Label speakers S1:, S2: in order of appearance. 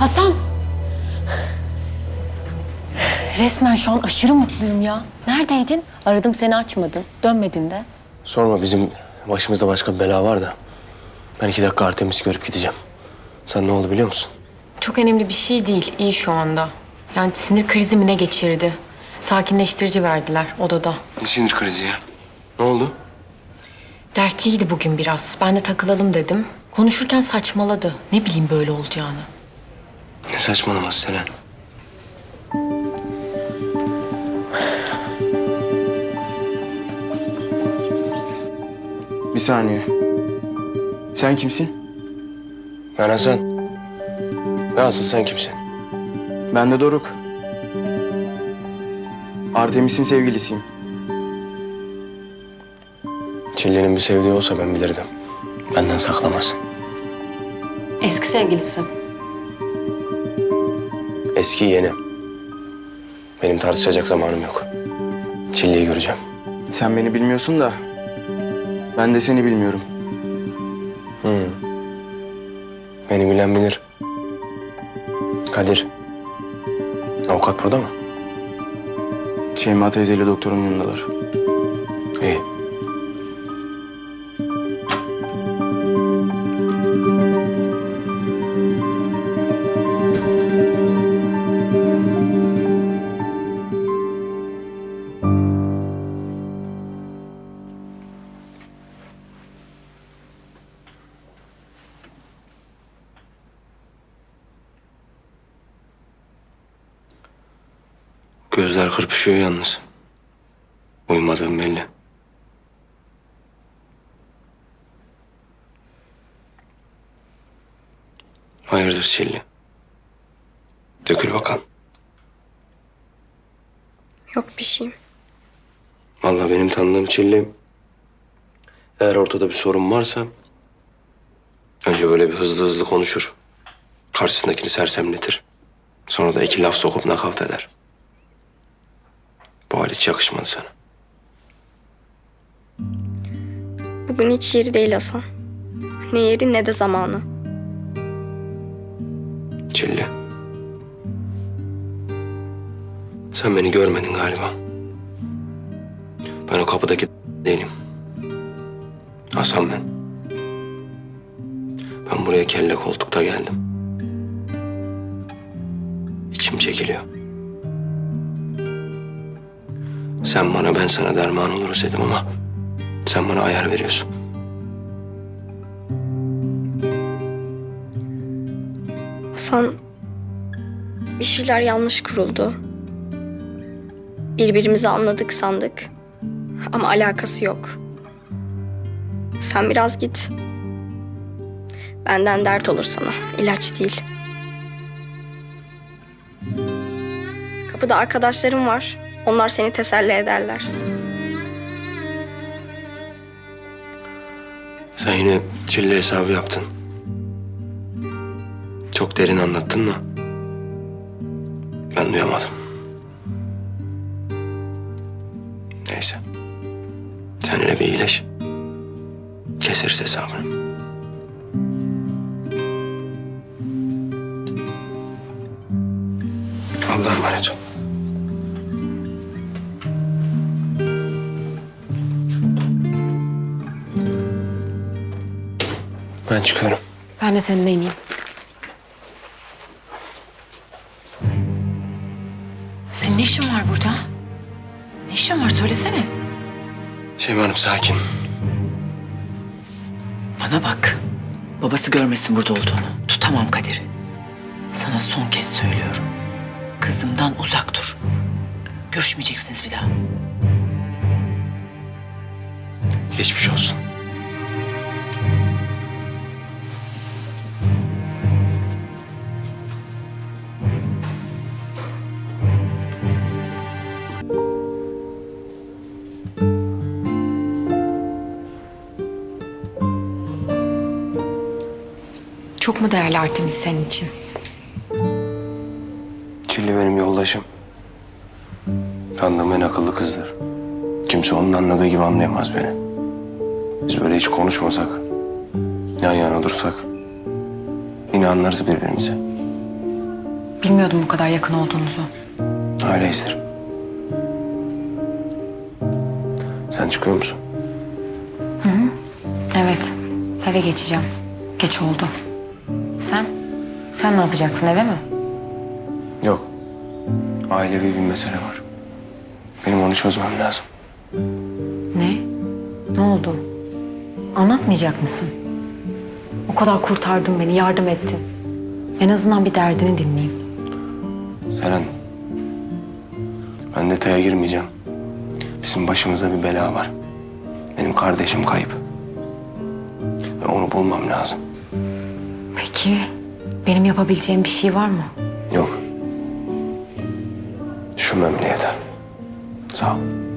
S1: Hasan! Resmen şu an aşırı mutluyum ya. Neredeydin? Aradım seni açmadın. Dönmedin de.
S2: Sorma, bizim başımızda başka bir bela var da. Ben 2 dakika Artemis'i görüp gideceğim. Sen ne oldu biliyor musun?
S1: Çok önemli bir şey değil. İyi şu anda. Yani sinir krizi mi ne geçirdi? Sakinleştirici verdiler odada.
S2: Ne sinir krizi ya? Ne oldu?
S1: Dertliydi bugün biraz. Ben de takılalım dedim. Konuşurken saçmaladı. Ne bileyim böyle olacağını.
S2: Ne saçmalaması Selen?
S3: Bir saniye. Sen kimsin?
S2: Ben Hasan. Nasıl, sen kimsin?
S3: Ben de Doruk. Artemis'in sevgilisiyim.
S2: Çilli'nin bir sevdiği olsa ben bilirdim. Benden saklamaz.
S1: Eski sevgilisi.
S2: Eski yeni. Benim tartışacak zamanım yok. Çilli'yi göreceğim.
S3: Sen beni bilmiyorsun da ben de seni bilmiyorum.
S2: Beni bilen bilir. Kadir. Avukat burada mı?
S3: Şeyma teyzeyle doktorun yanındalar.
S2: İyi. Gözler kırpışıyor yalnız. Uyumadığım belli. Hayırdır Çilli? Dökül bakalım.
S4: Yok bir şeyim.
S2: Vallahi benim tanıdığım Çilli, eğer ortada bir sorun varsa önce böyle bir hızlı hızlı konuşur. Karşısındakini sersemletir. Sonra da 2 laf sokup nakavt eder. Bu hal hiç yakışmadı sana.
S4: Bugün hiç yeri değil Hasan. Ne yeri ne de zamanı.
S2: Çilli. Sen beni görmedin galiba. Ben o kapıdaki değilim. Hasan ben. Ben buraya kelle koltukta geldim. İçim çekiliyor. Sen bana, ben sana derman oluruz dedim ama sen bana ayar veriyorsun.
S4: Hasan, bir şeyler yanlış kuruldu. Birbirimizi anladık sandık. Ama alakası yok. Sen biraz git. Benden dert olur sana. İlaç değil. Kapıda arkadaşlarım var. Onlar seni teselli ederler.
S2: Sen yine Çilli hesabı yaptın. Çok derin anlattın da ben duyamadım. Neyse. Sen hele bir iyileş. Keseriz hesabını. Allah'a emanet ol. Ben çıkıyorum.
S1: Ben de seninle ineyim.
S5: Senin ne işin var burada? Ne işin var söylesene.
S2: Şeyma Hanım sakin.
S5: Bana bak. Babası görmesin burada olduğunu. Tutamam Kadir'i. Sana son kez söylüyorum. Kızımdan uzak dur. Görüşmeyeceksiniz bir daha.
S2: Geçmiş olsun.
S1: Çok mu değerli Artemis senin için?
S2: Çilli benim yoldaşım. Tanıdığım en akıllı kızdır. Kimse onun anladığı gibi anlayamaz beni. Biz böyle hiç konuşmasak, yan yana dursak yine anlarız birbirimizi.
S1: Bilmiyordum bu kadar yakın olduğunuzu.
S2: Öyleyizdir. Sen çıkıyor musun?
S1: Evet, eve geçeceğim. Geç oldu. Sen? Sen ne yapacaksın, eve mi?
S2: Yok. Ailevi bir mesele var. Benim onu çözmem lazım.
S1: Ne? Ne oldu? Anlatmayacak mısın? O kadar kurtardın beni, yardım ettin. En azından bir derdini dinleyeyim.
S2: Seren, ben detaya girmeyeceğim. Bizim başımızda bir bela var. Benim kardeşim kayıp. Ve onu bulmam lazım.
S1: Peki, benim yapabileceğim bir şey var mı?
S2: Yok. Düşünmem bile yeter. Sağ ol.